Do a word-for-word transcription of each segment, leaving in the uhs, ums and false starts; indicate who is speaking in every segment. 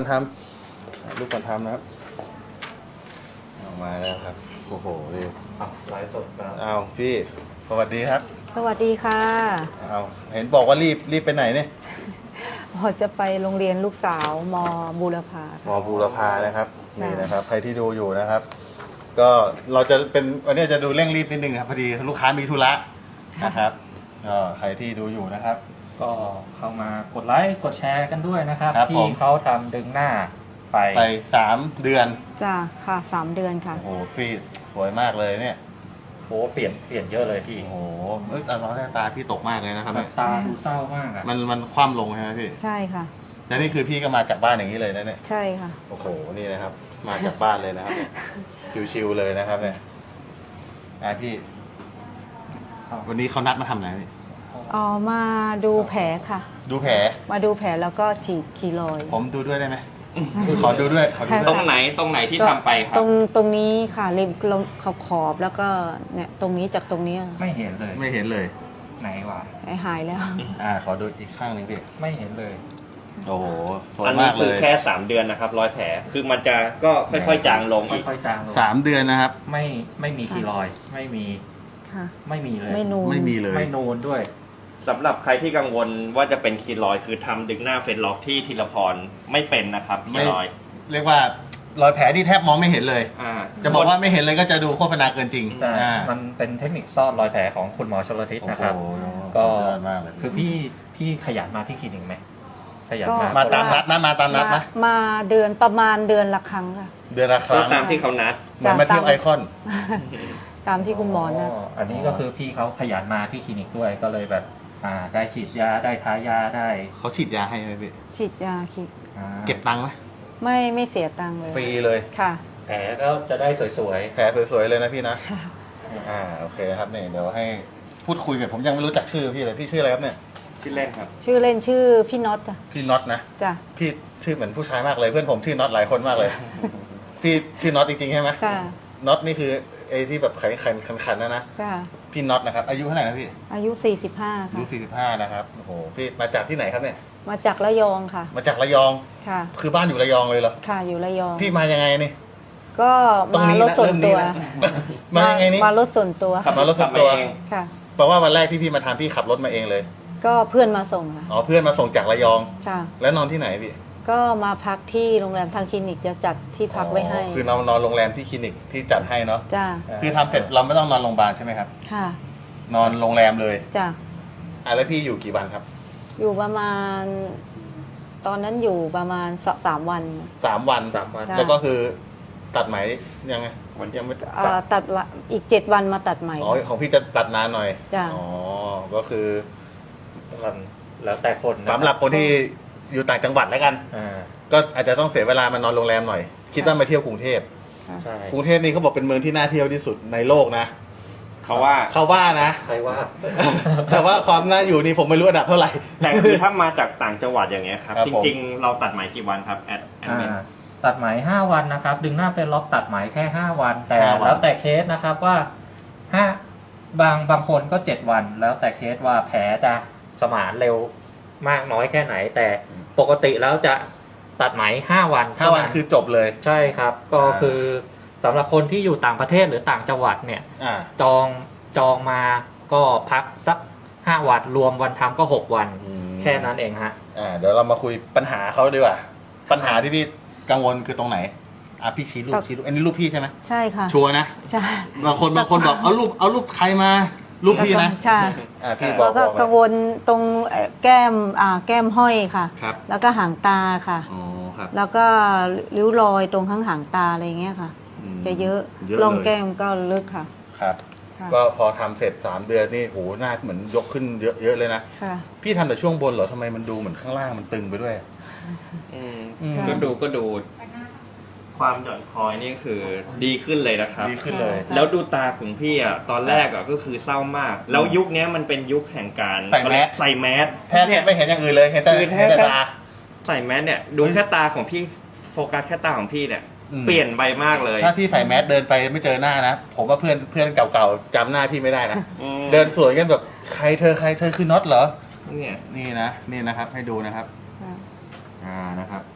Speaker 1: ทำรูปก่อนทำนะครับออกมาแล้วครับโอ้โหนี่
Speaker 2: ไลฟ์สดครับ
Speaker 1: เอาพี่สวัสดีครับ
Speaker 3: สวัสดีค่ะ
Speaker 1: เอาเห็นบอกว่ารีบรีบไปไหนเนี่ย
Speaker 3: พอจะไปโรงเรียนลูกสาวมบูรพาม
Speaker 1: อบูรพานะครับ
Speaker 3: ใช่
Speaker 1: นี่นะครับใครที่ดูอยู่นะครับ ก็เราจะเป็นวันนี้จะดูเร่งรีบนิดนึงครับพอดีลูกค้ามีธุระนะครับก็ใครที่ดูอยู่นะครับ
Speaker 2: ก็เข้ามากดไลค์กดแชร์กันด้วยนะครับ
Speaker 1: ครับผ
Speaker 2: ที่
Speaker 1: ม
Speaker 2: เขาทำดึงหน้าไป
Speaker 1: ไปสามเดือน
Speaker 3: จ้าค่ะสามเดือนค่ะ
Speaker 1: โอ้โหพี่สวยมากเลยเนี่ย
Speaker 2: โอ้เปลี่ยนเปลี่ยนเยอะเลยพี่
Speaker 1: โอ้โหเอ้ยตาเราได้ตาพี่ตกมากเลยนะครับ
Speaker 2: แบ
Speaker 1: เนี่ย
Speaker 2: บตาดูเศร้ามากอ่ะ
Speaker 1: มันมันคว่ำลงใช่ไหมพี่
Speaker 3: ใช่ค่ะ
Speaker 1: แล้วนี่คือพี่ก็มาจากบ้านอย่างนี้เลยนะเนี่ย
Speaker 3: ใช่ค่ะ
Speaker 1: โอ้โหนี่นะครับ มาจากบ้านเลยนะครับเนี่ยชิวๆเลยนะครับเนี่ยอ่ะพี่
Speaker 2: ครับ
Speaker 1: วันนี้เขานัดมาทำอะไรพี่
Speaker 3: อ๋อมาดูแผลค่ะ
Speaker 1: ดูแผล
Speaker 3: มาดูแผลแล้วก็ฉีดคีโรอยด์
Speaker 1: ผมดูด้วยได้ไหมขอดูด้วยขอดู
Speaker 3: ค่ะ
Speaker 1: ด้
Speaker 4: ต
Speaker 1: ว
Speaker 4: ร
Speaker 1: ย
Speaker 4: งไหนตรงไหนที่ทำไปครั
Speaker 3: ตร
Speaker 4: บ
Speaker 3: งตรงนี้ค่ะริมลมขอบขอบแล้วก็เนี่ยตรงนี้จากตรงนี้
Speaker 2: ไม่เห็นเลย
Speaker 1: ไม่เห็นเลย
Speaker 2: ไหนวะ
Speaker 3: หายแล้ว
Speaker 1: อ่าขอดูอีกข้างหนึงพี่
Speaker 2: ไม่เห็นเลย
Speaker 1: โอ้โหสวย
Speaker 4: อันนี้
Speaker 1: มากเล
Speaker 4: คือย แค่สามเดือนนะครับร้อยแผลคือมันจะก็ค่อยๆจางลงอีก
Speaker 2: ค่อยๆจางลง
Speaker 1: สามเดือนนะครับ
Speaker 2: ไม่ไม่มีคีรอยด์ไม่มี
Speaker 3: ค่ะ
Speaker 2: ไม่มีเลย
Speaker 3: ไม่นูน
Speaker 1: ไม่มีเลย
Speaker 2: ไม่นูนด้วย
Speaker 4: สำหรับใครที่กังวลว่าจะเป็นคีรอยด์คือทำดึงหน้าเฟซล็อกที่ธีรพรไม่เป็นนะครับคี
Speaker 1: ไม่
Speaker 4: รอยด์
Speaker 1: เรียกว่ารอยแผลที่แทบมองไม่เห็นเลย
Speaker 4: อ่า
Speaker 1: จะบอกว่าไม่เห็นเลยก็จะดูโฆษณาเกินจริง
Speaker 2: แต่
Speaker 1: อ่า
Speaker 2: มันเป็นเทคนิคซ่อนรอยแผลของคุณหมอชลทิศ
Speaker 1: โอ้
Speaker 2: นะ
Speaker 1: โห
Speaker 2: ครับ
Speaker 1: ก็
Speaker 2: ก็
Speaker 1: ยอดมากเลย
Speaker 2: คือพี่พี่ขยันมาที่คลินิกไหมขยัน
Speaker 3: ก็
Speaker 2: มา
Speaker 1: มาตามนัดนะมาตามนัด
Speaker 3: มา
Speaker 1: นะ
Speaker 3: มาเดือนประมาณเดือนละครั้งค่ะ
Speaker 1: เดือนละค
Speaker 4: ก็
Speaker 1: รั้ง
Speaker 4: ตามที่เขานัด
Speaker 1: เหมือนมาเที่ยวไอคอน
Speaker 3: ตามที่คุณหมอนะ
Speaker 2: อันนี้ก็คือพี่เขาขยันมาที่คลินิกด้วยก็เลยแบบอ่าได้ฉีดยาได้ทายาได้
Speaker 1: เขาฉีดยาให้ไหมพี่
Speaker 3: ฉีดยาคิด
Speaker 2: อ่า
Speaker 1: เก็บตังค์ไหม
Speaker 3: ไม่ไม่เสียตังค์เลย
Speaker 1: ฟรีเลย
Speaker 3: ค่ะ
Speaker 2: แผลก็จะได้สวย
Speaker 1: แผลสวยๆเลยนะพี่นะ
Speaker 3: ค่ะ
Speaker 1: อ่าโอเคครับเนี่ยเดี๋ยวให้พูดคุยกับผมยังไม่รู้จักชื่อพี่เลยพี่ชื่ออะไรครับเนี่ย
Speaker 4: ชื่อเล่นครับ
Speaker 3: ชื่อเล่นชื่อพี่น็อตจ้ะ
Speaker 1: พี่น็อตนะ
Speaker 3: จ้ะ
Speaker 1: พี่ชื่อเหมือนผู้ชายมากเลยเพื่อนผมชื่อน็อตหลายคนมากเลย พี่ชื่อน็อตจริงๆใช่ไหม
Speaker 3: ค่ะ
Speaker 1: น็อตนี่คือไอ้ที่แบบขันขันขันขันๆนะนะ
Speaker 3: ค่ะ
Speaker 1: พี่น็อตนะครับอายุเท่าไหร่นะพี่
Speaker 3: อายุสี่สิบห้า
Speaker 1: อายุ
Speaker 3: ค่ะ
Speaker 1: สี่สิบห้านะครับโอ้โหพี่มาจากที่ไหนครับเนี่ย
Speaker 3: มาจากระยองค่ะ
Speaker 1: มาจากระยอง
Speaker 3: ค่ะ
Speaker 1: คือบ้านอยู่ระยองเลยเหรอ
Speaker 3: ค่ะอยู่ระยอง
Speaker 1: พี่มายังไงนี่
Speaker 3: ก็
Speaker 1: ตรง
Speaker 3: มา
Speaker 1: นี้
Speaker 3: รถ
Speaker 1: นะ
Speaker 3: ส่วน
Speaker 1: เริ่ม
Speaker 3: ตั
Speaker 1: นี้
Speaker 3: ว
Speaker 1: นะมายังไงนี่
Speaker 3: มารถส่วนตัว
Speaker 1: ขับมารถส่วนตัว
Speaker 4: ขับมาเอง
Speaker 3: ค่ะ
Speaker 1: แปลว่าวันแรกที่พี่มาทำพี่ขับรถมาเองเลย
Speaker 3: ก็เพื่อนมาส่งค่ะ
Speaker 1: อ๋อเพื่อนมาส่งจากระยอง
Speaker 3: จ้ะ
Speaker 1: แล้วนอนที่ไหนพี่
Speaker 3: ก็มาพักที่โรงแรมทางคลินิกจะจัดที่พักไว้ให้
Speaker 1: อ๋อคือนอนนอนโรงแรมที่คลินิกที่จัดให้เนาะ
Speaker 3: จ้ะ
Speaker 1: คือทำเสร็จเราไม่ต้องนอนโรงพยาบาลใช่ไหมครับ
Speaker 3: ค่ะ
Speaker 1: นอนโรงแรมเลย
Speaker 3: จ้ะ
Speaker 1: อ่ะแล้วพี่อยู่กี่วันครับ
Speaker 3: อยู่ประมาณ ตอนนั้นอยู่ประมาณสสามวัน
Speaker 1: สามวัน
Speaker 2: ๆสามวัน
Speaker 3: จ้ะ
Speaker 1: แล้วก็คือตัดไหมยังไงวันยังไม่
Speaker 3: เอ่อตัดละอีกเจ็ดวันมาตัดใหม่
Speaker 1: อ๋อของพี่จะตัดนานหน่อย
Speaker 3: จ้ะ
Speaker 1: อ๋อก็คือ
Speaker 2: วันแล้วแต่คนนะ
Speaker 1: สำหรับคนที่อยู่ต่างจังหวัดแล้วกัน
Speaker 2: อ่า
Speaker 1: ก็อาจจะต้องเสียเวลามานอนโรงแรมหน่อย คิดว่ามาเที่ยวกรุงเทพ
Speaker 3: ค่ะ
Speaker 2: ใช่
Speaker 1: กรุงเทพนี่เขาบอกเป็นเมืองที่น่าเที่ยวที่สุดในโลกนะ
Speaker 4: เขาว่า
Speaker 1: เขาว่านะ
Speaker 2: ใครว่า
Speaker 1: แต่ว่าความน่าอยู่นี่ผมไม่รู้อันดับเท่าไหร่
Speaker 4: แต่คือถ้ามาจากต่างจังหวัดอย่างเงี้ยครับ
Speaker 1: ครับ
Speaker 4: จ
Speaker 1: ผม
Speaker 4: ริงๆ เราตัดไหมกี่วันครับแอดแอดมิน
Speaker 2: อ่าตัดไหมห้าวันนะครับ ดึงหน้าเฟซล็อกตัดไหมแค่ห้าวัน แต่
Speaker 1: ห้าวัน
Speaker 2: แล้วแต่เคสนะครับว่าห้าบางบางคนก็เจ็ดวัน แล้วแต่เคสว่าแผลจะสมานเร็วมากน้อยแค่ไหน แต่ปกติแล้วจะตัดไหมห้าวัน
Speaker 1: ห้าวันคือจบเลย
Speaker 2: ใช่ครับ ก็
Speaker 1: อ่า
Speaker 2: คือสำหรับคนที่อยู่ต่างประเทศหรือต่างจังหวัดเนี่ย
Speaker 1: อ่า
Speaker 2: จองจองมาก็พักสักห้าวันรวมวันทำก็หกวัน
Speaker 1: อืม
Speaker 2: แค่นั้นเองฮะ
Speaker 1: อ่าเดี๋ยวเรามาคุยปัญหาเขาดีกว่า ปัญหาที่พี่กังวลคือตรงไหนอ่ะพี่ชี้รูปชี้รูปอันนี้รูปพี่ใช่ไหม
Speaker 3: ใช่ค่ะ
Speaker 1: ชัวร์นะ
Speaker 3: ใช่
Speaker 1: บางคนบางคนบอกเอารูปเอารูปใครมารูปพี่นะ
Speaker 3: ใช่
Speaker 1: อ่าพี่บอ
Speaker 3: แล้
Speaker 1: ก
Speaker 3: วก็
Speaker 1: บอก
Speaker 3: กังวลตรงเอ่อแก้มอ่าแก้มห้อยค่ะ
Speaker 1: ครับ
Speaker 3: แล้วก็หางตาค่ะ
Speaker 1: อ๋อครับ
Speaker 3: แล้วก็ริ้วรอยตรงข้างหางตาอะไรเงี้ยค่ะ
Speaker 1: อืม
Speaker 3: จะเยอะ
Speaker 1: เยอะ
Speaker 3: ร่อง
Speaker 1: เลย
Speaker 3: แก้มก็ลึกค่ะ
Speaker 1: ครับ
Speaker 3: ค่ะ
Speaker 1: ก็พอทำเสร็จสามเดือนนี่โหหน้าเหมือนยกขึ้นเยอะเยอะเลยนะ
Speaker 3: ค่ะ
Speaker 1: พี่ทำแต่ช่วงบนเหรอทำไมมันดูเหมือนข้างล่างมันตึงไปด้วย
Speaker 4: อืม
Speaker 1: อืม
Speaker 4: ก็ดูก็ดู ความหย่อนคอยนี่คือดีขึ้นเลยนะครับ
Speaker 1: ดีขึ้นเลย
Speaker 4: แล้วดูตาของพี่อ่ะตอนแรกอ่ะก็คือเศร้ามาก แล้วยุคเนี้ยมันเป็นยุคแห่งการ
Speaker 1: ใส่แมส
Speaker 4: ใส่แมส
Speaker 1: แทบไม่เห็นอย่างอื่นเลยเห็นแต่
Speaker 4: คือแท
Speaker 1: เห็น
Speaker 4: บ
Speaker 1: แต่ตา
Speaker 4: ใส่แมสเนี่ยดูแค่ตาของพี่โฟกัสแค่ตาของพี่เนี่ย
Speaker 1: อืม
Speaker 4: เปลี่ยนไปมากเลย
Speaker 1: ถ้าพี่ใส่แมสเดินไปไม่เจอหน้านะผมว่าเพื่อนเพื่อนเก่าๆจำหน้าพี่ไม่ได้นะ
Speaker 4: อืม
Speaker 1: เดินสวนกันแบบใครเธอใครเธอคือน็อตเหรอ
Speaker 4: เนี่ย
Speaker 1: นี่นะนี่นะครับ ให้ดูนะครับ
Speaker 3: ค่ะ
Speaker 1: อ่านะครับ
Speaker 4: อ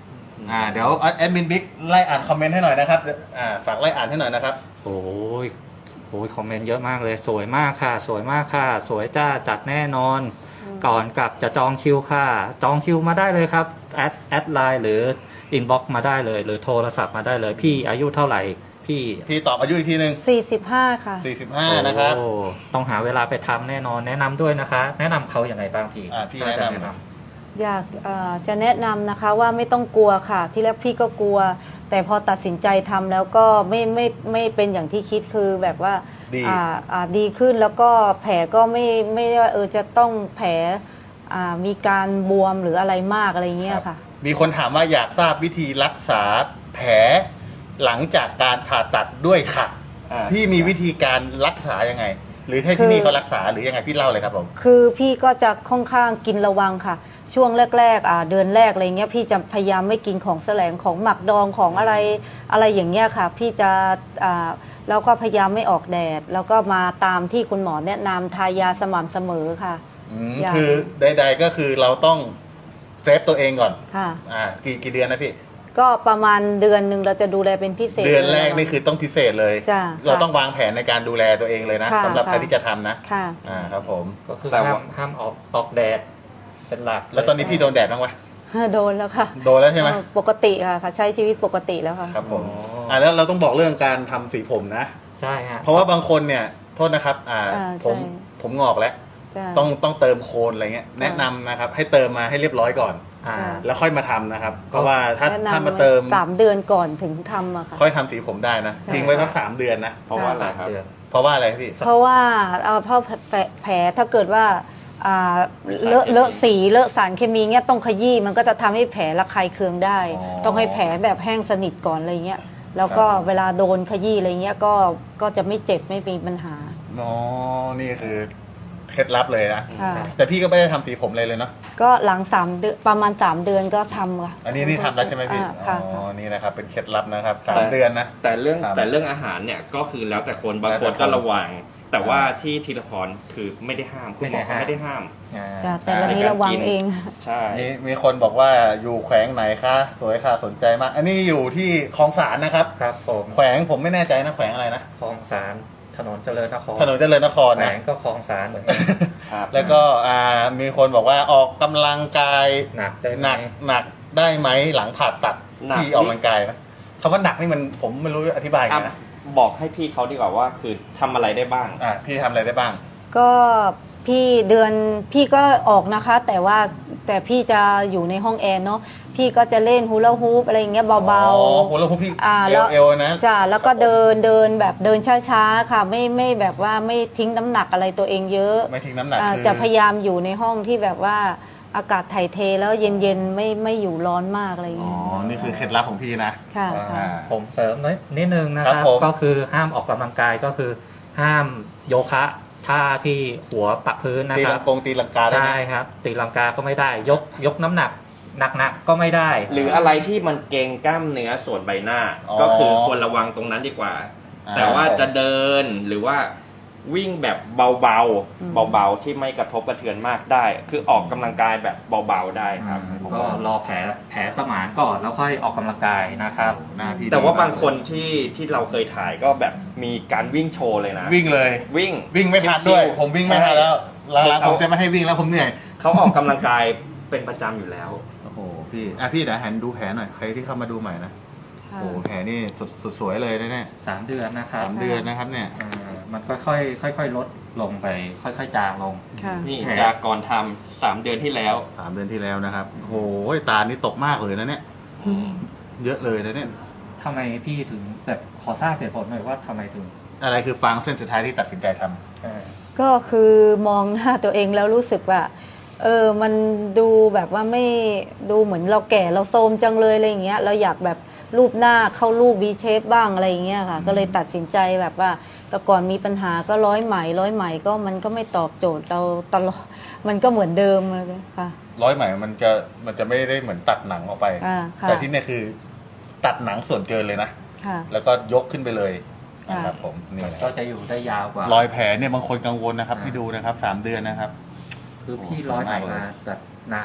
Speaker 1: อ่าเดี๋ยวแอดมินบิ๊กไล่อ่านคอมเมนต์ให้หน่อยนะครับอ่าฝากไล่อ่านให้หน่อยนะครับ
Speaker 2: โอ้ยโอ้ยคอมเมนต์เยอะมากเลยสวยมากค่ะ สวยมากค่ะ สวยจ้าจัดแน่นอน
Speaker 3: อืม
Speaker 2: ก่อนกลับจะจองคิวค่ะ จองคิวมาได้เลยครับแอดแอดไลน์หรืออินบ็อกซ์มาได้เลย หรือโทรศัพท์มาได้เลย พี่อายุเท่าไหร่พี่
Speaker 1: พี่ตอบอายุอีกทีหนึ่ง
Speaker 3: สี่สิบห้าค่ะ
Speaker 1: สี่สิบห้านะครับ
Speaker 2: โอ้ต้องหาเวลาไปทำแน่นอนแนะนำด้วยนะคะ แนะนำเขาอย่างไรบ้างพี่
Speaker 1: อ่าพี่
Speaker 2: ถ้าจ
Speaker 1: แนะนำ
Speaker 3: อยากเอ่อจะแนะนำนะคะว่าไม่ต้องกลัวค่ะ ที่แรกพี่ก็กลัว แต่พอตัดสินใจทำแล้วก็ไม่ไม่ไม่เป็นอย่างที่คิดคือแบบว่า
Speaker 1: ดี
Speaker 3: อ่าอ่าดีขึ้นแล้วก็แผลก็ไม่ไม่ได้ว่าเออจะต้องแผลอ่ามีการบวมหรืออะไรมากอะไรเงี้ยค่ะ
Speaker 1: มีคนถามว่าอยากทราบวิธีรักษาแผลหลังจากการผ่าตัดด้วยค่ะ
Speaker 4: อ่า
Speaker 1: พี่มีวิธีการรักษายังไง หรือให้ที่นี่เขารักษาหรือยังไงพี่เล่าเลยครับผม
Speaker 3: คือพี่ก็จะค่อนข้างกินระวังค่ะ ช่วงแรกๆอ่าเดือนแรกอะไรเงี้ยพี่จะพยายามไม่กินของแสลงของหมักดองของอะไรอะไรอย่างเงี้ยค่ะ พี่จะอ่าแล้วก็พยายามไม่ออกแดด แล้วก็มาตามที่คุณหมอแนะนำทายาสม่ำเสมอค่ะ
Speaker 1: อืม
Speaker 3: อยาก
Speaker 1: คือใดๆก็คือเราต้องเซฟตัวเองก่อน
Speaker 3: ค่ะ
Speaker 1: อ่ากี่กี่เดือนนะพี่
Speaker 3: ก็ประมาณเดือนหนึ่งเราจะดูแลเป็นพิเศษ
Speaker 1: เดือนแรกนี่คือต้องพิเศษเลย
Speaker 3: จ้ะ
Speaker 1: เรา
Speaker 3: ค่ะ
Speaker 1: ต้องวางแผนในการดูแลตัวเองเลยนะ
Speaker 3: ค่ะ
Speaker 1: สำหรับ
Speaker 3: ค่ะ
Speaker 1: ใครที่จะทำนะ
Speaker 3: ค่ะ
Speaker 1: อ่าครับผม
Speaker 2: ก็คือ
Speaker 4: แต่
Speaker 2: ห้า
Speaker 4: ว่า
Speaker 2: มห้ามออกออกแดดเป็นหลัก
Speaker 1: แล้วตอนนี้พี่โดนแดดบ้างวะ
Speaker 3: โดนแล้วค่ะ
Speaker 1: โดนแล้วใช่ไหม
Speaker 3: เออปกติค่ะค่ะ ใช้ชีวิตปกติแล้วค่ะ
Speaker 1: ครับผมอ่าแล้วเราต้องบอกเรื่องการทำสีผมนะ
Speaker 2: ใช่ฮะ
Speaker 1: เพราะว่าบางคนเนี่ยโทษนะครับอ่า
Speaker 3: อ่า
Speaker 1: ผม
Speaker 3: ใช่
Speaker 1: ผมงอกแล้ว
Speaker 3: จ้ะ
Speaker 1: ต้องต้องเติมโคนอะไรเงี้ยแนะนำนะครับให้เติมมาให้เรียบร้อยก่อน
Speaker 2: อ่า
Speaker 3: จ้ะ
Speaker 1: แล้วค่อยมาทำนะครับ เพราะว่าถ้า
Speaker 3: แนะ
Speaker 1: ถ้าน
Speaker 3: ำ
Speaker 1: มาเติม
Speaker 3: สามเดือนก่อนถึงทำอะค่ะ
Speaker 1: ค่อยทำสีผมได้นะ
Speaker 3: ใช่
Speaker 1: ทิ้งไว้สักสามเดือนนะ
Speaker 4: เพราะว่าอะไรครับ
Speaker 2: เดือน
Speaker 1: เพราะว่าอะไรพี่
Speaker 3: เพราะว่าเอ่อเพราะแผลแผลถ้าเกิดว่าอ่าเลอะเลอะสีเลอะสารเคมีเงี้ยต้องขยี้มันก็จะทำให้แผลระคายเคืองได้
Speaker 1: อ๋อ
Speaker 3: ต้องให้แผลแบบแห้งสนิทก่อนอะไรเงี้ยแล้วก็
Speaker 1: ครับ
Speaker 3: เวลาโดนขยี้อะไรเงี้ยก็ก็จะไม่เจ็บไม่มีปัญหา
Speaker 1: อ๋อนี่คือเคล็ดลับเลยนะ
Speaker 3: ค่ะ
Speaker 1: แต่พี่ก็ไม่ได้ทำสีผมเลยเลยเนาะ
Speaker 3: ก็หลังสามเดือนประมาณสามเดือนก็ทำค่ะ
Speaker 1: อันนี้นี่ทำแล้วใช่ไหมพี่
Speaker 3: อ่าค่ะ
Speaker 1: อ๋อนี่นะครับเป็นเคล็ดลับนะครับสามเดือนนะ
Speaker 4: แต่เรื่อง
Speaker 1: ครับ
Speaker 4: แต่เรื่องอาหารเนี่ยก็คือแล้วแต่คนบาง
Speaker 1: แล้ว
Speaker 4: ค
Speaker 1: แต่
Speaker 4: น
Speaker 1: คน
Speaker 4: ก็ระวัง แต่ว่าที่ธีรพรคือไม่ได้ห้ามคุณหมอเขาไม่ได้ห้าม
Speaker 2: อ่า
Speaker 3: จ้ะแต่เรานี้ระวังเอง
Speaker 4: ใช่
Speaker 1: มีมีคนบอกว่าอยู่แขวงไหนคะสวยค่ะสนใจมาก อันนี้อยู่ที่คลองสารนะครับ
Speaker 2: ครับผม
Speaker 1: แขวงผมไม่แน่ใจนะแขวงอะไรนะ
Speaker 2: คลองสารถนนเจริญนคร
Speaker 1: ถนนเจริญนคร
Speaker 2: แหว
Speaker 1: นะ
Speaker 2: งก็คลองสารเหมือนกัน
Speaker 4: ครับ
Speaker 1: แล้วก็อ่ามีคนบอกว่าออกกำลังกาย
Speaker 2: หนักได้ไหม
Speaker 1: หนักหนักได้ไหมหลังผ่าตัด
Speaker 4: หนัก
Speaker 1: ที่ออกกำลังกายไหมคำว่าหนักนี่มันผมไม่รู้อธิบายไง
Speaker 4: อ่ะ
Speaker 1: นะ
Speaker 4: บอกให้พี่เขาดีกว่าว่าคือทำอะไรได้บ้าง
Speaker 1: อ่ะพี่ทำอะไรได้บ้าง
Speaker 3: ก็พี่เดือนพี่ก็ออกนะคะ แต่ว่าแต่พี่จะอยู่ในห้องแอร์เนาะพี่ก็จะเล่นฮูลาฮูปอะไรอย่างเงี้ยเบา
Speaker 1: อ๋อโหแล้วพวกพี่
Speaker 3: อ่า
Speaker 1: เอ
Speaker 3: แล้ว ว
Speaker 1: เอวนะ
Speaker 3: จ้ะแล้วก็เดินเดินแบบเดินช้าๆค่ะ ไม่ไม่แบบว่าไม่ทิ้งน้ำหนักอะไรตัวเองเยอะ
Speaker 1: ไม่ทิ้งน้ำหนัก
Speaker 3: อ่า
Speaker 1: คือ
Speaker 3: จะพยายามอยู่ในห้องที่แบบว่าอากาศถ่ายเทแล้วเย็นๆไม่ไม่อยู่ร้อนมากอะไรอย่าง
Speaker 1: อ๋อ
Speaker 3: เงี้ย
Speaker 1: นี่คือเคล็ดลับของพี่นะ
Speaker 3: ค่ะ
Speaker 2: อ่า
Speaker 3: ค่ะ
Speaker 2: ผมเสริมนิดนิดนึงนะค
Speaker 1: ครั
Speaker 2: รั
Speaker 1: บบ ผม
Speaker 2: ก็คือห้ามออกกำลังกายก็คือ ห้ามโยคะท่าที่หัวปักพื้นนะ
Speaker 1: ตี
Speaker 2: ค
Speaker 1: ลั
Speaker 2: รับ
Speaker 1: งกงตีลังกาได้ไหม
Speaker 2: ใช่ครับตีลังกาก็ไม่ได้ ยกยกน้ำหนักหนักๆก็ไม่ได้
Speaker 4: หรืออะไรที่มันเกรงกล้ามเนื้อส่วนใบหน้า
Speaker 1: อ๋อ
Speaker 4: ก็คือควรระวังตรงนั้นดีกว่า
Speaker 1: อ่า
Speaker 4: แต่ว่าจะเดินหรือว่าวิ่งแบบเบา
Speaker 3: อืม
Speaker 4: ๆเบาๆที่ไม่กระทบกระเทือนมากได้ คือออกกำลังกายแบบเบาๆได้ครับ
Speaker 2: ก็รอแผลแผลสมานก่อนแล้วค่อยออกกำลังกายนะครับ
Speaker 1: หน้าพี่
Speaker 4: แต่ว่า
Speaker 1: ดีมก
Speaker 4: บางคนที่ที่เราเคยถ่ายก็แบบมีการวิ่งโชว์เลยนะ
Speaker 1: วิ่งเลย
Speaker 4: วิ่ง
Speaker 1: วิ่งไม่ทันด้วย ผมวิ่งไม่ทันแล้วหลังๆผมจะไม่ให้วิ่งแล้วผมเหนื่อย
Speaker 4: เขาออกกำลังกายเป็นประจำอยู่แล้ว
Speaker 1: โอ้โหพี่อ่ะพี่เดี๋ยวหันดูแผลหน่อยใครที่เข้ามาดูใหม่นะ
Speaker 3: ค่ะ
Speaker 1: โอ้โหแผลนี่สดสดสวยเลยนะเนี่ย
Speaker 2: สามเดือนนะครับ
Speaker 1: สามเดือนนะครับเนี่ย
Speaker 2: อ่ามันค่อยๆค่อยๆลดลงไป ค่อยๆจางลง
Speaker 3: ค่ะ
Speaker 4: นี่
Speaker 2: แผล
Speaker 4: จากก่อนทำสามเดือนที่แล้ว
Speaker 1: สามเดือนที่แล้วนะครับโอ้โหตานี่ตกมากเลยนะเนี่ย เยอะเลยนะเนี่ย
Speaker 2: ทำไมพี่ถึงแบบขอทราบเหตุผลหน่อยว่าทำไมถึง
Speaker 1: อะไรคือฟางเส้นสุดท้ายที่ตัดสินใจทำ
Speaker 2: เอ่อ
Speaker 3: ก็คือมองหน้าตัวเองแล้วรู้สึกว่า เออมันดูแบบว่าไม่ดูเหมือนเราแก่เราโทรมจังเลยอะไรอย่างเงี้ยเราอยากแบบรูปหน้าเข้ารูป V shape บ้างอะไรอย่างเงี้ยค่ะ ก็เลยตัดสินใจแบบว่าแต่ก่อนมีปัญหาก็ร้อยไหมร้อยไหมก็มันก็ไม่ตอบโจทย์เราตลอดมันก็เหมือนเดิมเลยค่ะ
Speaker 1: ร้อยไหมมันจะมันจะไม่ได้เหมือนตัดหนังออกไป
Speaker 3: อ่าค่ะ
Speaker 1: แต่ที่เนี่ยคือตัดหนังส่วนเกินเลยนะ
Speaker 3: ค่ะ
Speaker 1: แล้วก็ยกขึ้นไปเลย
Speaker 3: ค่ะ
Speaker 1: นะครับผมนี่นะค
Speaker 2: ก็
Speaker 1: รับ
Speaker 2: จะอยู่ได้ยาวกว่าร
Speaker 1: อยแผลเนี่ยบางคนกังวลนะครับที่ดูนะครับสามเดือนนะครับ
Speaker 2: คือพี่
Speaker 1: โอ้
Speaker 2: ร้อยไหม
Speaker 1: สวยมากเลย
Speaker 2: มาแบบนาน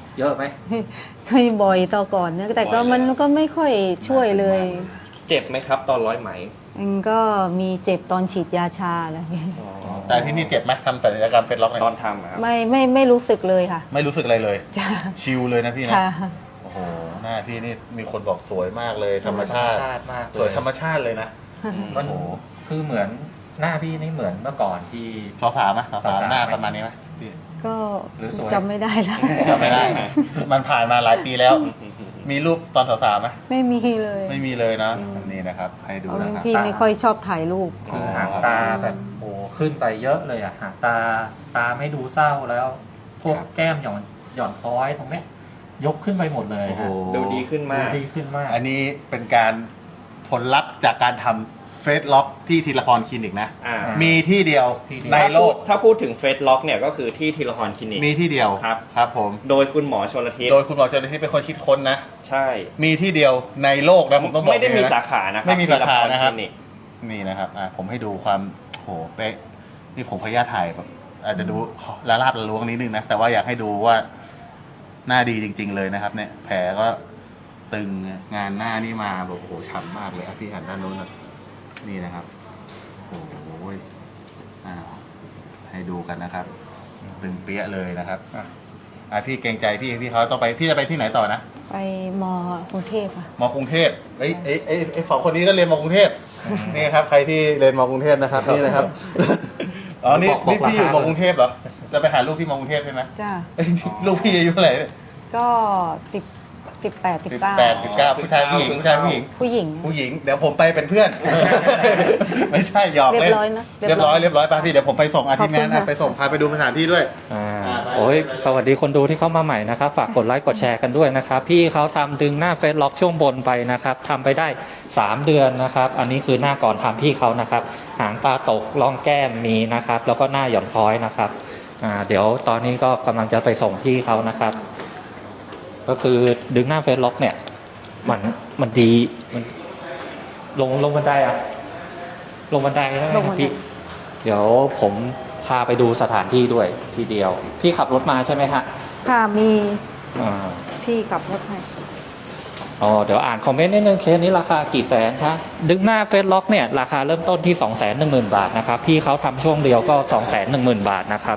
Speaker 2: เยอะไหม
Speaker 3: เคยบ่อยต่อก่อนนะแต่ก็มันก็ไม่ค่อยช่วยเลย
Speaker 4: เจ็บไหมครับตอนร้อยไหม
Speaker 3: มันก็มีเจ็บตอนฉีดยาชาอะไรอย่างเงี้ย
Speaker 1: แต่ที่นี่เจ็บไหมทำศัลยกรรมเฟซล็อกเนี่ย
Speaker 4: ตอนทำอะครับ
Speaker 3: ไม่ไม่ไม่รู้สึกเลยค่ะ
Speaker 1: ไม่รู้สึกอะไรเลย
Speaker 3: จ้า
Speaker 1: ชิลเลยนะพี่นะ
Speaker 3: ค่ะ
Speaker 1: โอ้โหหน้าพี่นี่มีคนบอกสวยมากเลยธรรมชาติ
Speaker 2: ธรรมชาติมากเลย
Speaker 1: สวยธรรมชาติเลยนะ
Speaker 2: มัน
Speaker 1: โอ้โห
Speaker 2: คือเหมือนหน้าพี่นี่เหมือนเมื่อก่อนที่
Speaker 1: สาวสาวไหมสาวสาว
Speaker 2: สาวๆ
Speaker 1: หน้าประมาณนี้ไหมพี่
Speaker 3: ก็
Speaker 2: หรือสวย
Speaker 3: จำไม่ได้แล้ว
Speaker 1: จำไม่ได้ มันผ่านมาหลายปีแล้ว มีรูปตอนสาวๆไหม
Speaker 3: ไม่มีเลย
Speaker 1: ไม่มีเลยนะ
Speaker 3: อืม
Speaker 1: อันนี้นะครับ ให้ดู
Speaker 3: เพราะ
Speaker 1: นะครับ
Speaker 3: พี่ไม่ค่อยชอบถ่ายรูป
Speaker 2: คือหางตาแบบโอ้ขึ้นไปเยอะเลยอะหางตาตาไม่ดูเศร้าแล้ว พวก
Speaker 1: ครับ
Speaker 2: แก้มหย่อนหย่อนคล้อยตรงเนี้ยยกขึ้นไปหมดเลย
Speaker 1: โอ้โห
Speaker 2: ฮะ
Speaker 4: ดูดีขึ้นมาก
Speaker 2: ดูดีขึ้นมาก
Speaker 1: อันนี้เป็นการผลลัพธ์จากการทำเฟซล็อกที่ทีละพรคลินิกนะ
Speaker 4: อ่า
Speaker 1: มีที่เดียว
Speaker 2: ที่เดียว
Speaker 1: ในโลก
Speaker 4: ถ้าพูดถึงเฟสล็อกเนี่ยก็คือที่ทีละพรคลินิก
Speaker 1: มีที่เดียว
Speaker 4: ครับ
Speaker 1: ครับผม
Speaker 4: โดยคุณหมอชลทิศ
Speaker 1: โดยคุณหมอเจริญที่เป็นคนคิดค้นนะ
Speaker 4: ใช่
Speaker 1: มีที่เดียวในโลกนะผมต้องบอก
Speaker 4: ไม่ได้มี
Speaker 1: เลยนะ
Speaker 4: สาขานะครับ
Speaker 1: ไม่มีสาขานะครับ
Speaker 4: ทีลพลิก
Speaker 1: นี่นะครับอ่ะผมให้ดูความโหเป๊ะนี่ผมพยายามถ่ายแบบอาจจะดูละลาบละล้วงนิดนึงนะแต่ว่าอยากให้ดูว่าหน้าดีจริง ๆ เลยนะครับ เนี่ย แผลก็ตึงงานหน้านี่มาแบบโอ้โหฉ่ำมากเลยอ่ะพี่หันด้านโน้นนะนี่นะครับโอ้โหอ่าให้ดูกันนะครับ ตึงเปี้ยเลยนะครับอ่ะอ่ะพี่เกรงใจพี่พี่เขาต้องไปพี่จะไปที่ไหนต่อนะ
Speaker 3: ไปมกรุงเทพค่ะ
Speaker 1: มอกรุงเทพเอ้ยเอ้ยเอ้ยเอ้ยสองคนนี้ก็เรียนมอกรุงเทพ นี่ครับ ใครที่เรียนมอกรุงเทพนะครับ นี่นะครับ อ๋อ นี่
Speaker 2: บอกบอก
Speaker 1: นี่พี่อยู่
Speaker 2: ราคาม
Speaker 1: อกรุงเทพเหรอ จะไปหาลูกที่มอกรุงเทพใช่ไหม
Speaker 3: จ้า
Speaker 1: เอ้ยลูกพี่อายุเท่าไหร่
Speaker 3: ก็สิบสิบแปดสิบ
Speaker 1: สิบ
Speaker 3: เก้า
Speaker 1: แปดสิบเก้าผู้ชายผู้หญิงผู้ชายผู้หญิง
Speaker 3: ผู้หญิง
Speaker 1: ผู้หญิง เดี๋ยวผมไปเป็นเพื่อน ไม่ใช่หยอก
Speaker 3: เรี
Speaker 1: เล่
Speaker 3: ย
Speaker 1: น
Speaker 3: บร้อยนะ
Speaker 1: เรียบร้อยเรียบร้อยป่ะพี่ เดี๋ยวผมไปส่งอาทีมงาน
Speaker 3: ขอบคุณ
Speaker 1: นะ
Speaker 3: ค่ะ
Speaker 1: ไปส่งพาไปดูสถานที่ด้วย
Speaker 2: อ่า
Speaker 1: อ่าไป
Speaker 2: โอ้ยสวัสดีคนดูที่เข้ามาใหม่นะครับ ฝากกดไลค์กดแชร์กันด้วยนะครับ พี่เขาทำดึงหน้าเฟซล็อกช่วงบนไปนะครับทำไปได้สามเดือนนะครับ อันนี้คือหน้าก่อนทำพี่เขานะครับ หางตาตกร่องแก้มมีนะครับ แล้วก็หน้าหย่อนคล้อยนะครับอ่าเดี๋ยวตอนนี้ก็กำลังจะไปส่งพี่เขานะครับ ก็คือดึงหน้าเฟซล็อกเนี่ย มันมันดีมันลงลงบันไดอะลงบันไดใช่ไหม
Speaker 3: ลงบันได
Speaker 2: พี่ เดี๋ยวผมพาไปดูสถานที่ด้วยทีเดียว พี่ขับรถมาใช่ไหมฮะ
Speaker 3: ค่ะมี
Speaker 2: อ่า
Speaker 3: พี่ขับรถให้
Speaker 2: อ๋อเดี๋ยวอ่านคอมเมนต์นิดนึงเคสนี้ราคากี่แสนคะดึงหน้าเฟซล็อกเนี่ยราคาเริ่มต้นที่ สองแสนหนึ่งหมื่น บาทนะครับพี่เขาทำช่วงเดียวก็ สองแสนหนึ่งหมื่น บาทนะครับ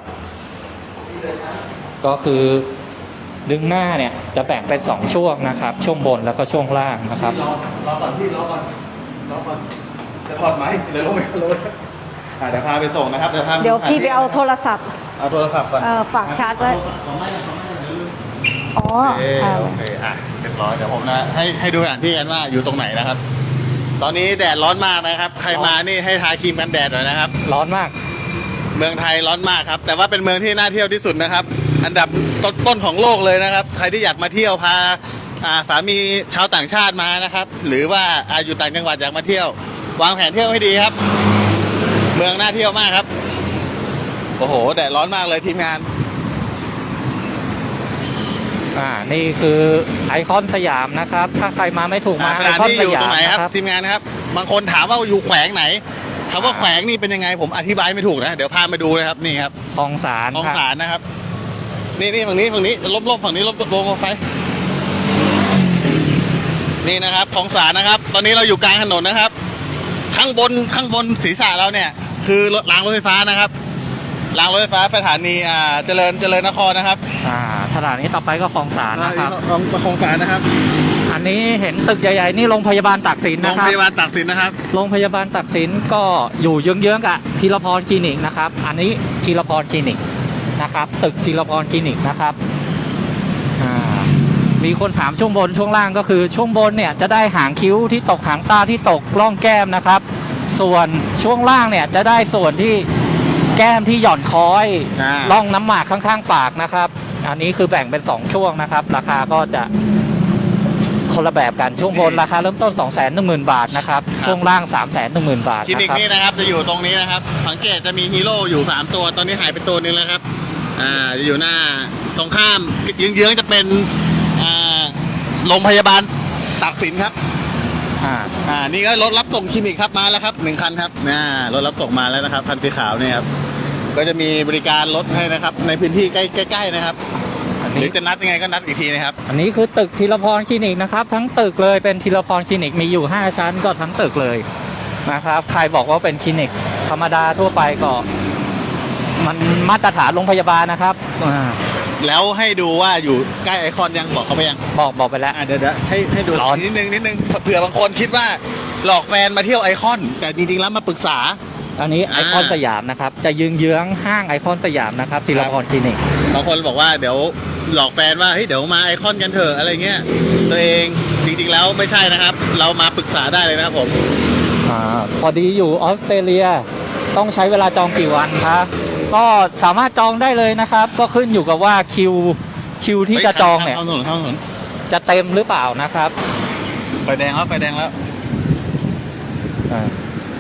Speaker 2: ก็คือดึงหน้าเนี่ยจะแบ่งเป็นสองช่วงนะครับ ช่วงบนแล้วก็ช่วงล่างนะครับ
Speaker 1: รอรอก่อนพี่รอก่อนรอก่อนจะถอดไหมเดี๋ยวลงไปกันเลยอ่ะเดี๋ยวพาไปส่งนะครับเดี๋ยวพา
Speaker 3: เดี๋ยวพี่ไปเอาโทรศัพท์
Speaker 1: เอาโทรศัพท์ก่อน
Speaker 3: เอ่อฝากชาร์จไว้
Speaker 1: ขอไม่ขอไม่เดี๋ยวลืม
Speaker 3: อ๋อ
Speaker 1: โอเค
Speaker 3: ค่ะ
Speaker 1: โอเคอ่ะเรียบร้อยเดี๋ยวผมนะให้ให้ดูสถานที่กันว่าอยู่ตรงไหนนะครับ ตอนนี้แดดร้อนมากนะครับ ใครมานี่ให้ทาครีมกันแดดหน่อยนะครับ
Speaker 2: ร้อนมาก
Speaker 1: เมืองไทยร้อนมากครับ แต่ว่าเป็นเมืองที่น่าเที่ยวที่สุดนะครับ อันดับต้นๆของโลกเลยนะครับ ใครที่อยากมาเที่ยวพาอ่าสามีชาวต่างชาติมานะครับ หรือว่าอาอยู่ต่างจังหวัดอยากมาเที่ยว วางแผนเที่ยวให้ดีครับ เมืองน่าเที่ยวมากครับ โอ้โหแดดร้อนมากเลยทีมงาน
Speaker 2: อ่านี่คือไอคอนสยามนะครับ ถ้าใครมาไม่ถูกมา
Speaker 1: ส
Speaker 2: ไอ
Speaker 1: ถาน
Speaker 2: คอน
Speaker 1: ที่
Speaker 2: ส
Speaker 1: อยู่
Speaker 2: ยา
Speaker 1: ตร
Speaker 2: ม
Speaker 1: งไหนครับ
Speaker 2: นะครับ
Speaker 1: ทีมงานนะครับ บางคนถามว่าอยู่แขวงไหนคำว่าแขวงนี่เป็นยังไงผมอธิบายไม่ถูกนะ เดี๋ยวพามาดูนะครับนี่ครับ
Speaker 2: คลองสาร
Speaker 1: ท้อง
Speaker 2: ครับ
Speaker 1: สารนะครับ นี่นี่ฝั่งนี้ฝั่งนี้ลบลบฝั่งนี้ลบลบไฟ นี่นะครับท้องสารนะครับ ตอนนี้เราอยู่กลางถนนนะครับ ข้างบนข้างบนศีรษะเราเนี่ย คือรถรางรถไฟฟ้านะครับรางรถไฟฟ้าสถานีอ่าเจริญเจริญนครนะครับ
Speaker 2: อ่าสถานีต่อไปก็คลองสารนะครับ
Speaker 1: ของของสารนะครับ
Speaker 2: อันนี้เห็นตึกใหญ่ๆนี่โรงพยาบาลตากสิน
Speaker 1: โร
Speaker 2: นะ
Speaker 1: ง
Speaker 2: ครั
Speaker 1: พ
Speaker 2: บ
Speaker 1: ยาบาลตากสินนะครับ
Speaker 2: โรงพยาบาลตากสินก็อยู่เยื้องๆกับธีรพรคลินิกนะครับ อันนี้ธีรพรคลินิกนะครับ ตึกธีรพรคลินิกนะครับอ่ามีคนถามช่วงบนช่วงล่างก็คือช่วงบนเนี่ยจะได้หางคิ้วที่ตกหางตาที่ตกร่องแก้มนะครับ ส่วนช่วงล่างเนี่ยจะได้ส่วนที่แก้มที่หย่อนคอย
Speaker 1: อ่า
Speaker 2: ร่องน้ำหมากข้างๆปากนะครับ อันนี้คือแบ่งเป็นสองช่วงนะครับ ราคาก็จะคนละแบบกันช่วงบนราคาเริ่มต้น สองแสนหนึ่งหมื่น บาทนะครับ ช่วงล่าง สามแสนหนึ่งหมื่น บาท
Speaker 1: คลินิ
Speaker 2: นะ
Speaker 1: ก
Speaker 2: ครับ
Speaker 1: นี่นะครับจะอยู่ตรงนี้นะครับ สังเกตจะมีฮีโร่อยู่สามตัวตอนนี้หายไปตัวหนึงแล้วครับอ่าจะอยู่หน้าตรงข้ามเยื้องๆจะเป็นอ่าโรงพยาบาลตากสินครับ
Speaker 2: อ่า
Speaker 1: อ่านี่ก็รถรับส่งคลินิกครับมาแล้วครับหนึ่งคันครับน่ารถรับส่งมาแล้วนะครับคันสีขาวเนี่ยครับก็จะมีบริการรถให้นะครับ ในพื้นที่ใกล้ใกล้ๆนะครับ
Speaker 2: อัน
Speaker 1: หรือจะนัดยังไงก็นัดอีกทีนะครับ
Speaker 2: อันนี้คือตึกธีรพรคลินิกนะครับ ทั้งตึกเลยเป็นธีรพรคลินิกมีอยู่ห้าชั้นก็ทั้งตึกเลยนะครับใครบอกว่าเป็นคลินิกธรรมดาทั่วไปก็มันมาตรฐานโรงพยาบาลนะครับอ่า
Speaker 1: แล้วให้ดูว่าอยู่ใกล้ไอคอนยังบอกเขาไปยัง
Speaker 2: บอกบอกไปแล้ว
Speaker 1: อ่ะเดี๋ยวเดี๋ยวให้ให้ดู
Speaker 2: ร้อน
Speaker 1: นิดนึงนิดนึงเผื่อบางคนคิดว่าหลอกแฟนมาเที่ยวไอคอน แต่จริงๆแล้วมาปรึกษา
Speaker 2: อันนี้ไอ
Speaker 1: อ่า
Speaker 2: คอนสยามนะครับจะยืงเยื้องๆห้างไอคอนสยามนะครับธีรพรคลินิก
Speaker 1: บางคนบอกว่าเดี๋ยวหลอกแฟนว่าเฮ้ยเดี๋ยวมาไอคอนกันเถอะอะไรเงี้ยตัวเองจริงๆแล้วไม่ใช่นะครับ เรามาปรึกษาได้เลยนะครับผม
Speaker 2: อ่าพอดีอยู่ออสเตรเลียต้องใช้เวลาจองกี่วันครับก็สามารถจองได้เลยนะครับ ก็ขึ้นอยู่กับว่าคิวคิวที่จะจองเนี่ย
Speaker 1: ข้ามถนนข้ามถนน
Speaker 2: จะเต็มหรือเปล่านะครับ
Speaker 1: ไฟแดงแล้วไฟแดงแล้ว
Speaker 2: อ่า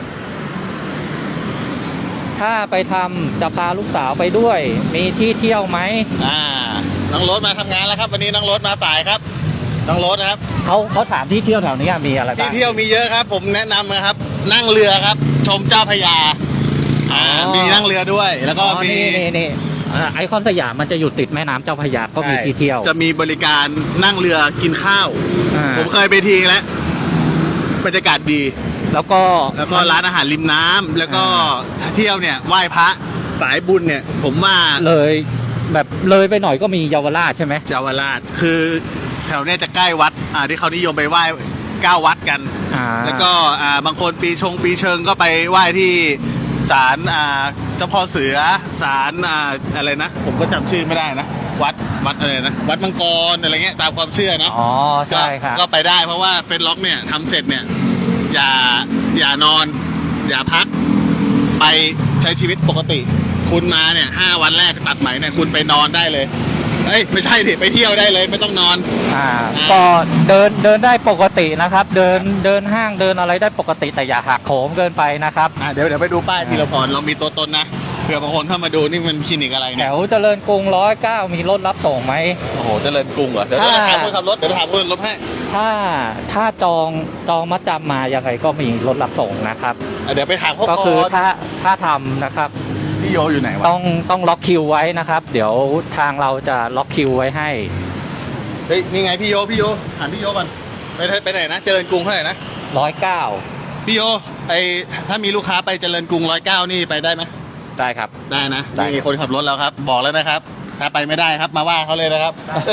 Speaker 2: ถ้าไปทำจะพาลูกสาวไปด้วย มีที่เที่ยวไหม
Speaker 1: อ่าน้องรถมาทำงานแล้วครับ วันนี้น้องรถมาสายครับน้องรถนะครับ
Speaker 2: เขาเขาถามที่เที่ยวแถวนี้มีอะไร
Speaker 1: ที่
Speaker 2: บ้าง
Speaker 1: เที่ยวมีเยอะครับ ผมแนะนำนะครับ นั่งเรือครับ ชมเจ้าพระยาอ่ามีนั่งเรือด้วย แล้วก็
Speaker 2: อ๋อ
Speaker 1: มี
Speaker 2: นี่นี่นี่อ่าไอคอนสยามมันจะอยู่ติดแม่น้ำเจ้าพระยาก็มีที่เที่ยว
Speaker 1: จะมีบริการนั่งเรือกินข้าว
Speaker 2: อ่า
Speaker 1: ผมเคยไปทีแล้วบรรยากาศดี
Speaker 2: แล้วก็
Speaker 1: แล้วก็ร้านอาหารริมน้ำแล้วก็ถ้าเที่ยวเนี่ยไหว้พระสายบุญเนี่ย ผมว่า
Speaker 2: เลยแบบเลยไปหน่อยก็มีเยาวราชใช่ไหม
Speaker 1: เจ้าวราชคือแถวเนี้ยจะใกล้วัดอ่าที่เขานิยมไปไหว้เก้าวัดกัน
Speaker 2: อ่า
Speaker 1: แล้วก็อ่าบางคนปีชงปีเชิงก็ไปไหว้ที่ศาลอ่าเจ้าพ่อเสือศาลอ่าอะไรนะ ผมก็จำชื่อไม่ได้นะ วัดวัดอะไรนะวัดมังกรอะไรเงี้ยตามความเชื่อนะ
Speaker 2: อ๋อใช่ครับ
Speaker 1: ก็ก็ไปได้เพราะว่าเฟซล็อกเนี่ยทำเสร็จเนี่ยอย่าอย่านอน อย่าพักไปใช้ชีวิตปกติ คุณมาเนี่ยห้าวันแรกตัดไหมเนี่ยคุณไปนอนได้เลยเอ้ยไม่ใช่ดิไปเที่ยวได้เลยไม่ต้องนอน
Speaker 2: อ่าก็เดินเดินได้ปกตินะครับ เดินเดินห้างเดินอะไรได้ปกติแต่อย่าหักโหมเกินไปนะครับ
Speaker 1: อ่ะเดี๋ยวเดี๋ยวไปดูป้ายธีรพรเรามีตัวตนนะเผื่อบางคนเข้ามาดูนี่มันคลินิกอะไร
Speaker 2: แถ
Speaker 1: เนี่ยว
Speaker 2: เจริญกรุงร้อยเก้ามีรถรับส่งไหม
Speaker 1: โอ้โหเจริญกรุงเหรอเดี๋ยว
Speaker 2: ถ้า
Speaker 1: เดี๋ยวถามคนขับรถเดี๋ยวถามคนขับรถให้
Speaker 2: ถ้าถ้าจองจองมัดจำมายังไงก็มีรถรับส่งนะครับ
Speaker 1: อ่ะเดี๋ยวไปถามเขา
Speaker 2: ก็
Speaker 1: ก่
Speaker 2: คือ
Speaker 1: อน
Speaker 2: ถ้าถ้าทำนะครับ
Speaker 1: พี่โยอยู่ไหนวะ
Speaker 2: ต้องต้องล็อกคิวไว้นะครับ เดี๋ยวทางเราจะล็อกคิวไว้ให้
Speaker 1: เฮ้ยนี่ไงพี่โยพี่โยถามพี่โยก่อนไปไปไหนนะเจริญกรุงเท่าไหร่นะ
Speaker 2: ร้อยเก้า
Speaker 1: พี่โยไอถ้ามีลูกค้าไปเจริญกรุงร้อยเก้านี่ไปได้ไหม
Speaker 2: ได้ครับ
Speaker 1: ได้นะ
Speaker 2: ได้
Speaker 1: นี่คนขับรถแล้วครับ บอกแล้วนะครับ ถ้าไปไม่ได้ครับมาว่าเขาเลยนะครับ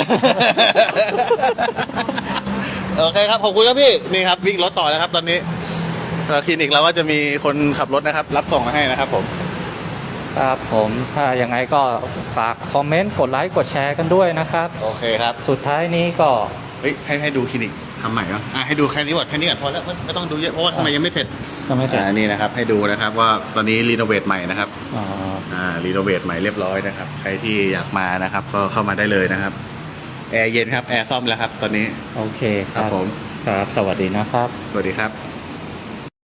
Speaker 1: โอเคครับขอบคุณครับพี่นี่ครับวิ่งรถต่อแล้วครับตอนนี้แล้วคลินิกเราก็จะมีคนขับรถนะครับ รับส่งมาให้นะครับผม
Speaker 2: ครับผมถ้ายังไงก็ฝากคอมเมนต์กดไลค์กดแชร์กันด้วยนะครับ
Speaker 1: โอเคครับ
Speaker 2: สุดท้ายนี้ก็
Speaker 1: เฮ้ยให้ให้ดูคลินิกทำใหม่เหรออ่ะให้ดูแค่นี้ก่อนแค่นี้ก่อนพอแล้วไม่ไม่ต้องดูเยอะเพราะว่าข้างในยังไม่เสร็จ
Speaker 2: ก็ไม่เสร็จ
Speaker 1: อ่านี่นะครับให้ดูนะครับว่าตอนนี้รีโนเวทใหม่นะครับ
Speaker 2: อ๋อ
Speaker 1: อ่ารีโนเวทใหม่เรียบร้อยนะครับใครที่อยากมานะครับ ก็เข้ามาได้เลยนะครับแอร์เย็นครับแอร์ซ่อมแล้วครับ ตอนนี้
Speaker 2: โอเคค
Speaker 1: ครั
Speaker 2: รั
Speaker 1: บบ ผม
Speaker 2: ครับ สวัสดีนะครับ
Speaker 1: สวัสดีครับ